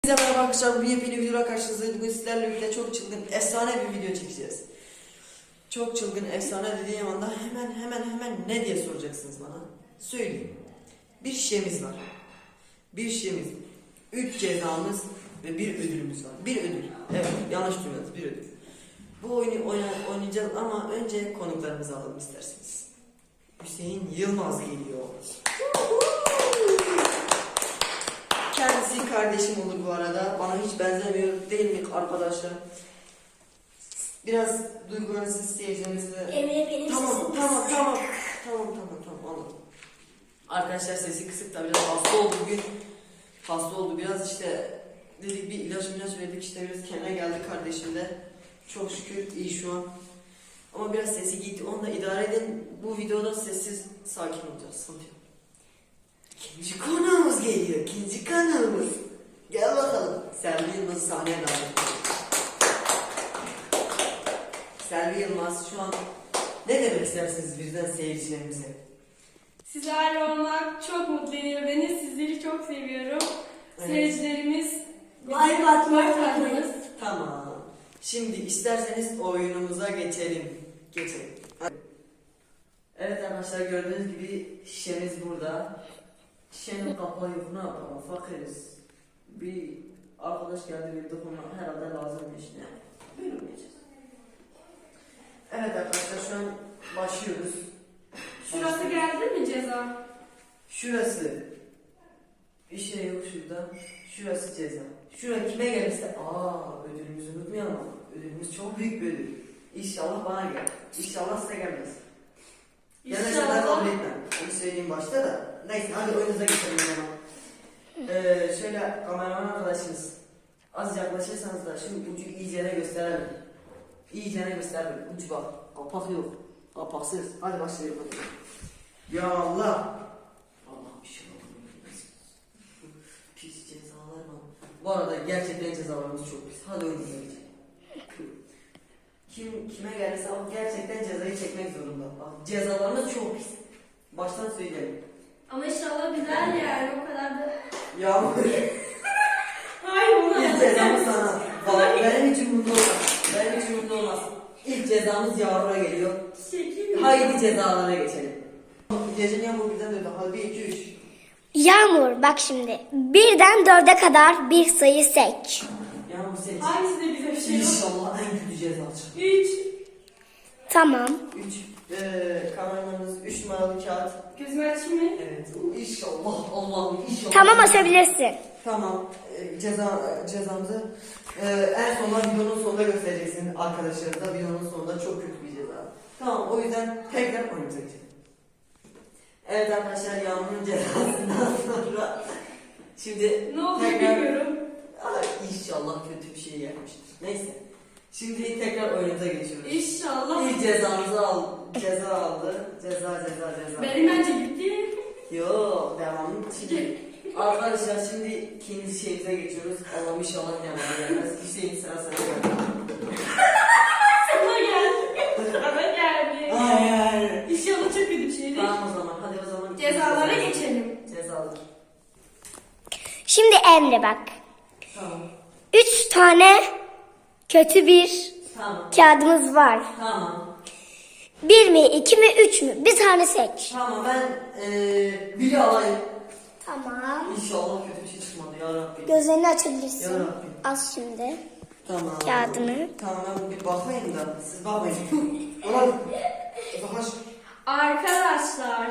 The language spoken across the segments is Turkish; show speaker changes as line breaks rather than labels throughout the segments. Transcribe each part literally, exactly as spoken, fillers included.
Herkese merhaba arkadaşlar, bu yepyeni videoda karşınızdayız. Bugün sizlerle birlikte çok çılgın, efsane bir video çekeceğiz. Çok çılgın, efsane dediğim anda hemen hemen hemen ne diye soracaksınız bana? Söyleyeyim. Bir şişemiz var. Bir şişemiz, üç cezamız ve bir ödülümüz var. Bir ödül. Evet, yanlış duymadınız, bir ödül. Bu oyunu oyna, oynayacağız ama önce konuklarımızı alalım isterseniz. Hüseyin Yılmaz geliyor. Kendisi kardeşim olur bu arada. Bana hiç benzemiyor değil mi arkadaşlar? Biraz duygularınızı isteyeceğinizde...
Emre benim
tamam,
sesim
tamam,
kısık.
tamam, tamam, tamam, tamam, anladım. Arkadaşlar sesi kısık da biraz hasta oldu bugün. Hasta oldu biraz işte. Dedik bir ilaç ilaç verdik işte biraz kendine geldi kardeşim de. Çok şükür iyi şu an. Ama biraz sesi gitti. Onu da idare edin. Bu videoda sessiz sakin olacağız. Sıkıntı yok. İkinci konuğumuz geliyor. İkinci konuğumuz. Gel bakalım. Selvi Yılmaz sahneye davet ediyor. Selvi Yılmaz şu an ne demek istersiniz birden seyircilerimize?
Sizlerle olmak çok mutlu ediyor beni. Sizleri çok seviyorum.
Evet.
Seyircilerimiz,
Like atmayı
like atmanız.
unutmayın.
Tamam. Şimdi isterseniz oyunumuza geçelim. Geçelim. Evet arkadaşlar gördüğünüz gibi şişemiz burada. Şişenin kapağı yok, ne yapalım, fakiriz. Bir arkadaş geldi bir dokuma herhalde lazım işine. Böyle oynayacağız. Evet arkadaşlar şu an başlıyoruz.
Şurası geldi mi ceza?
Şurası bir şey yok şurada. Şurası ceza. Şuraya kime gelirse aa ödülümüzü unutmayalım ama ödülümüz çok büyük bir ödül. İnşallah bana gel. İnşallah size gelmez. Gelmese ben kabul etmem. Onu söyleyeyim başta da. Neyse hadi oyunuza geçelim o zaman. Ee, şöyle kameraman arkadaşımız az yaklaşırsanız da şimdi ucu iyicene gösterelim. İyicene gösterelim. Ucu bak. Kapak yok. Kapaksız. Hadi başlayalım hadi. Ya Allah. Allah bir şey oldu. Pis cezalar var. Bu arada gerçekten cezalarımız çok pis. Hadi oyunuza geçelim. Kim kime gelirse o gerçekten cezayı çekmek zorunda. Bak cezalarımız çok pis. Baştan söyleyelim.
Ama inşallah güzel yani o kadar da.
Yağmur.
Hayır onu
İlk cezamız sana. Bak benim için mutlu olmaz. Benim için mutlu olmaz. İlk cezamız Yağmur'a geliyor.
Çekil.
Haydi cezalara geçelim. Gecenin Yağmur birden döndü. Hadi bir iki üç.
Yağmur bak şimdi. Birden dörde kadar bir sayı seç.
Yağmur seç.
Hangisi de bize bir şey yok.
İnşallah en kötü ceza çıkar.
Üç.
Tamam.
Üç. Eee kameramanımız üç numaralı kağıt.
Gözümü açayım mı?
Evet. İnşallah Allah'ım inşallah.
Tamam açabilirsin.
Tamam. Ee, ceza cezamızı e, en sonunda videonun sonunda göstereceksin arkadaşlarınıza. Videonun sonunda çok kötü bir ceza. Tamam o yüzden tekrar oyunumuza geçelim. Evet arkadaşlar Yağmur'un cezasından sonra şimdi
Ne oldu
tekrar
bilmiyorum.
Ay, inşallah kötü bir şey gelmiştir. Neyse. Şimdi tekrar oyunumuza geçiyoruz.
İnşallah.
İlk cezamızı al, ceza aldı. Ceza ceza ceza.
Benim bence gitti.
Yok devamlı şimdi. Arkadaşlar şimdi ikinci şeyimize geçiyoruz. Allah'ım inşallah devamı gelmez. Hüseyin sıra sana geldi.
Sana geldi. Sana geldi.
Hayır.
İnşallah çok kötü bir şeydir.
Tamam o zaman hadi o zaman.
Cezalara geçelim.
Cezalar.
Şimdi Emre bak.
Tamam.
Üç tane kötü bir
Tamam.
kağıdımız var.
Tamam.
Bir mi, iki mi, üç mü? Bir tane seç.
Tamam ben eee biri alayım.
Tamam.
İnşallah kötü bir şey çıkmadı ya Rabbi.
Gözlerini açabilirsin.
Ya Rabbi.
Az şimdi.
Tamam.
Kağıdını.
Tamam ben bir bakmayayım da siz bakmayın. Ulan. Baş.
Arkadaşlar.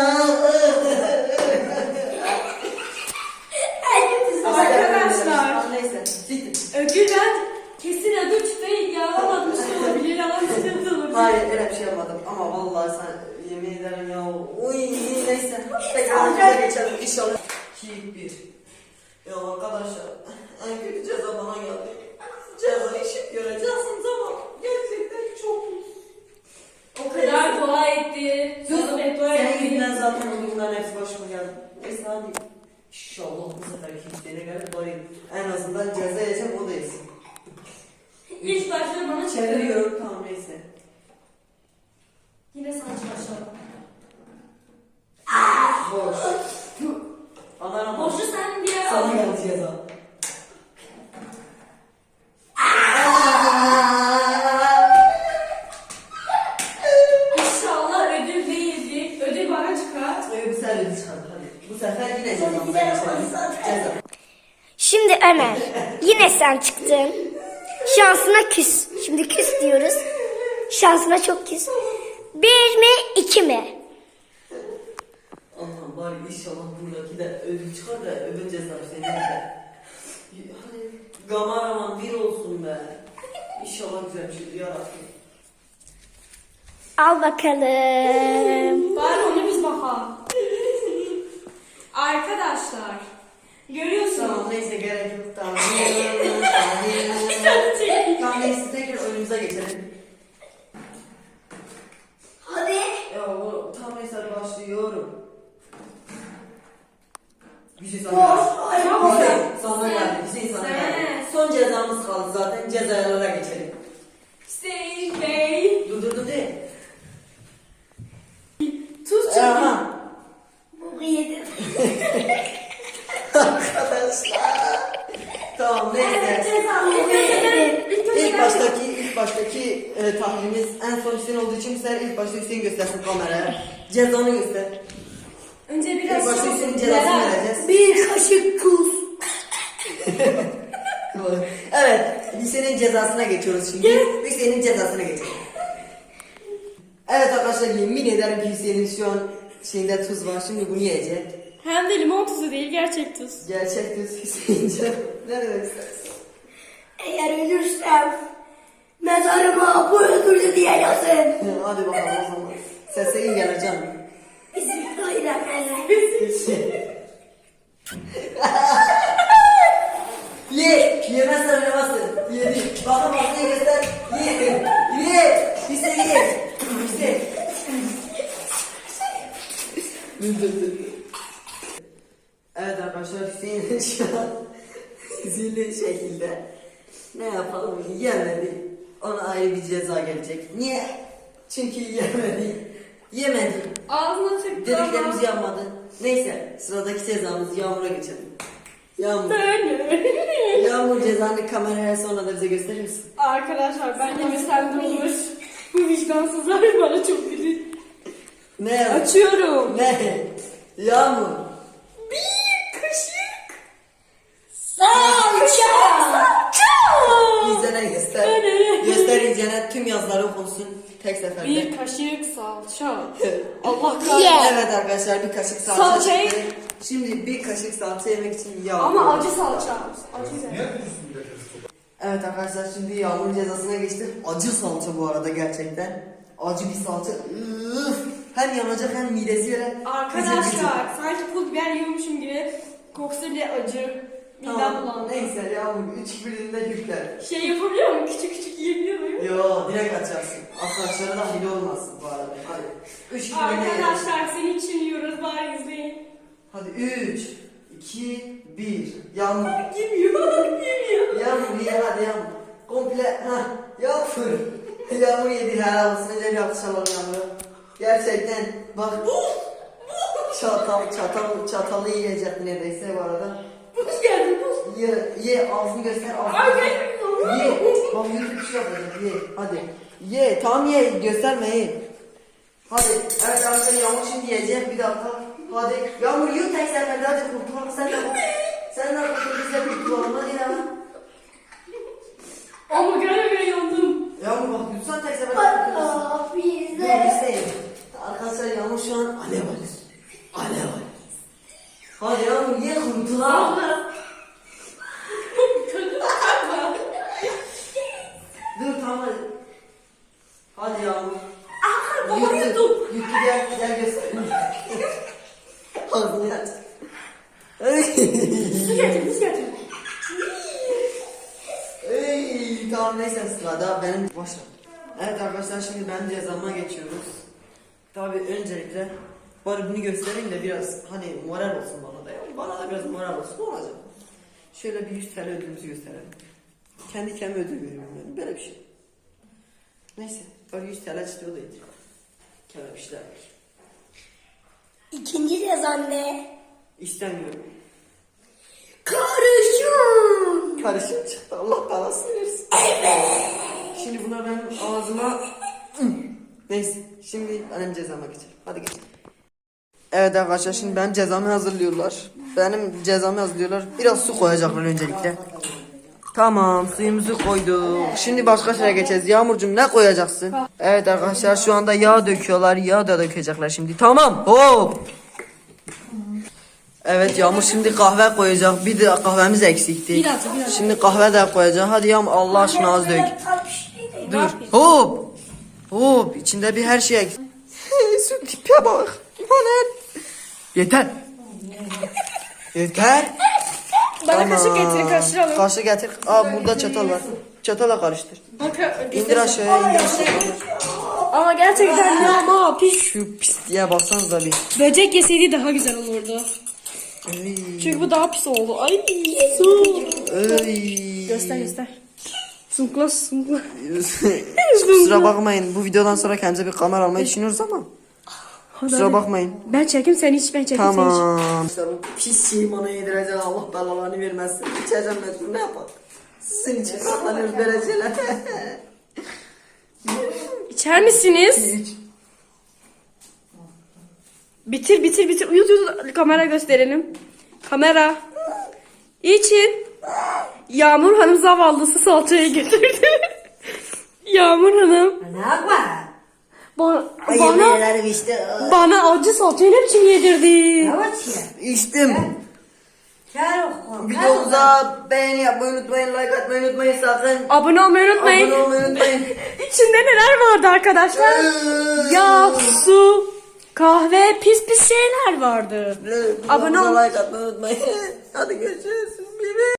Arkadaşlar.
Neyse. Bitti.
Ödül ben kesin ödül çıkmayı yağlamamış olabilir ama sıkıntı olabilir.
Hayır öyle bir şey yapmadım ama vallahi sen yemin ederim ya. Uy neyse. Tekrar geçelim inşallah. iki bir. Ya arkadaşlar en kötü ceza bana geldi. Ceza işi göreceksiniz ama gerçekten çok
O kadar dua etti.
Sus.
Sana beddua
Senin
etti.
yüzünden zaten o bunların hepsi başıma geldi. Neyse hadi. İnşallah bu sefer kimseye gelir bari en azından ceza yiyeceğim o da yesin.
İlk başta bana çıktı.
Çeviriyorum tamam neyse.
Yine sana çalışalım.
Boş. Ana
Boşu sen bir
Sana geldi ceza.
Şimdi Ömer, yine sen çıktın. Şansına küs. Şimdi küs diyoruz. Şansına çok küs. Bir mi, iki mi?
Allah'ım bari inşallah buradaki de ödül çıkar da ödül cezası senin de. Hadi kameraman bir olsun be. İnşallah güzel bir şey yarabbim.
Al bakalım.
Bari onu biz bakalım. Arkadaşlar. Görüyorsunuz.
Tamam neyse gerek yok. Tamam. Tamam neyse tekrar oyunumuza geçelim.
Hadi.
Ya o tam neyse başlıyorum. Bir şey sana geldi.
Tamam.
Hüseyin sana geldi. Hüseyin sana
Sen.
geldi. Son cezamız kaldı zaten. Cezalara geçelim.
Hüseyin Bey.
Dur dur dur değil.
Tuz çıktı.
Erhan.
Bu yedim.
Arkadaşlar. Tamam neyse. İlk baştaki ilk baştaki e, tahlilimiz en son Hüseyin olduğu için sen ilk başta Hüseyin göstersin kameraya. Cezanı göster.
Önce
İlk
biraz
başta
çok-
Hüseyin'in cezasını
Meral.
vereceğiz.
Bir kaşık tuz.
Evet, Hüseyin'in cezasına geçiyoruz şimdi. Hüseyin'in cezasına geçelim. Evet arkadaşlar yemin ederim ki Hüseyin'in şu an şeyinde tuz var. Şimdi bunu yiyecek.
Hem de limon tuzu değil, gerçek tuz.
Gerçek tuz Hüseyin'ce. Ne demek istersin?
Eğer ölürsem mezarıma bu öldürdü diye yazın.
Hadi bakalım o zaman. Sese iyi geleceğim.
Bismillahirrahmanirrahim.
Ye! Yemezsen oynamazsın. Yedi. Bakın masayı göster. Ye! Ye! Hüseyin ye! Hüseyin. Dur dur dur. Evet arkadaşlar Hüseyin şu an zilli şekilde ne yapalım yemedi. Ona ayrı bir ceza gelecek. Niye? Çünkü yemedi. Yemedi.
Ağzına tıktı
Dediklerimiz yanmadı. Neyse sıradaki cezamız Yağmur'a geçelim. Yağmur. Yağmur cezanı kameraya sonra da bize gösterir misin?
Arkadaşlar ben yemesem de olur. Bu vicdansızlar bana çok gülüyor.
Ne yaz?
Açıyorum.
Ne? Yağmur.
Bir kaşık.
Salça.
İzlene göster. Göster izlene tüm yazıları okunsun tek seferde.
Bir kaşık salça. Allah
Ye.
kahretsin.
Evet arkadaşlar bir kaşık salça
Salçayı-
çıktı. Şimdi bir kaşık salça yemek için Yağmur.
Ama acı salça. Acı güzel.
Evet arkadaşlar şimdi Yağmur'un cezasına geçtik. Acı salça bu arada gerçekten. Acı bir salça. Üf. Hem yanacak hem midesi yere.
Arkadaşlar sanki pul biber yiyormuşum gibi kokusu bile acı. Midem
Tamam.
bulandı.
Neyse Yağmur üç birinde yükler.
Şey yapabiliyor muyum? Küçük küçük yiyebiliyor muyum?
Yo direkt açarsın. Arkadaşlara da hile olmasın bu arada. Hadi. Üç birinde yersin.
Arkadaşlar senin için yiyoruz bari izleyin.
Hadi üç, iki, bir. Yağmur.
Yemiyor, yemiyor.
Yağmur ye hadi Yağmur. Komple ha Yağmur. Yağmur yedi helal olsun. Önce bir alkışlayalım Yağmur'a. Gerçekten bak. çatal çatal çatalı yiyecek neredeyse bu arada.
Buz geldi buz.
Ye ye ağzını göster ağzını.
Ay
göster.
gelmiyor.
Ye. Bak YouTube bir şey yapacak ye. Hadi. Ye tamam ye gösterme ye. Hadi. Evet arkadaşlar Yağmur şimdi yiyecek bir dakika. Hadi. Yağmur yiyor tek seferde hadi kurtulalım sen de. Sen de kurtul biz de kurtulalım hadi ya.
Ama göre göre yandım.
Yağmur bak lütfen tek seferde kurtulalım.
Allah
Dur
bize.
Hüseyin. Arkadaşlar Yağmur şu an alev alır. Alev alır. Hadi Yağmur ye kurtulalım. Dur tamam hadi. Hadi Yağmur.
Baba yudum.
Yuttu gel gel göster. Ağzını aç.
Su getir, buz getir.
Ey, tamam neyse sırada benim başla. Evet arkadaşlar şimdi ben cezama geçiyoruz. Tabi öncelikle bari bunu göstereyim de biraz hani moral olsun bana da ya. Bana da biraz moral olsun ne olacak? Şöyle bir yüz T L ödülümüzü gösterelim. Kendi kendime ödül veriyorum yani böyle bir şey. Neyse böyle yüz T L çıktı o da iyidir. Kenar bir şeyler var.
İkinci cezan ne?
İstemiyorum.
Karışım.
Karışım çıktı Allah belasını versin. Evet. Şimdi bunlar benim ağzıma... Neyse şimdi benim cezama geçelim. Hadi geçelim. Evet arkadaşlar şimdi benim cezamı hazırlıyorlar. Benim cezamı hazırlıyorlar. Biraz su koyacaklar öncelikle. Tamam suyumuzu koyduk. Şimdi başka şeye geçeceğiz. Yağmurcuğum ne koyacaksın? Evet arkadaşlar şu anda yağ döküyorlar. Yağ da dökecekler şimdi. Tamam hop. Evet Yağmur şimdi kahve koyacak. Bir de kahvemiz eksikti.
Biraz, biraz.
Şimdi kahve de koyacak. Hadi Yağmur Allah aşkına az dök. Dur. Hop. Hop. İçinde bir her şey eksik. Şu tipe bak. Aman. Yeter. Yeter.
Bana kaşık getirin, karıştıralım.
Kaşık getir. Aa burada çatal var. Çatala karıştır.
Bakın.
İndir aşağıya indir aşağıya.
Ama gerçekten ya ama pis.
Şu pisliğe baksanıza bir.
Böcek yeseydi daha güzel olurdu.
Ey.
Çünkü bu daha pis oldu. Ay su.
Ey.
Göster göster. Sunkla sunkla.
Kusura bakmayın. Bu videodan sonra kendimize bir kamera almayı düşünüyoruz ama. Kusura bakmayın.
Ben çekeyim sen hiç ben çekeyim sen hiç.
Tamam. Pis şeyi bana yedirecek Allah belalarını vermezsin. İçeceğim ben ne yapalım. Sizin için katlanıyoruz dereceler.
İçer misiniz?
İç.
Bitir bitir bitir. Uyut uyut kamera gösterelim. Kamera. İçin. Yağmur Hanım zavallısı salçayı getirdi. Yağmur Hanım.
Ne yapma?
Bana, bana,
işte.
bana acı salçayı ne biçim yedirdi?
İçtim. Videomuza beğeni yapmayı unutmayın, like atmayı unutmayın sakın.
Abone olmayı unutmayın.
Abone olmayı unutmayın.
İçinde neler vardı arkadaşlar? Yağ, su, kahve, pis pis şeyler vardı. Abone ol.
Like atmayı unutmayın. Hadi görüşürüz.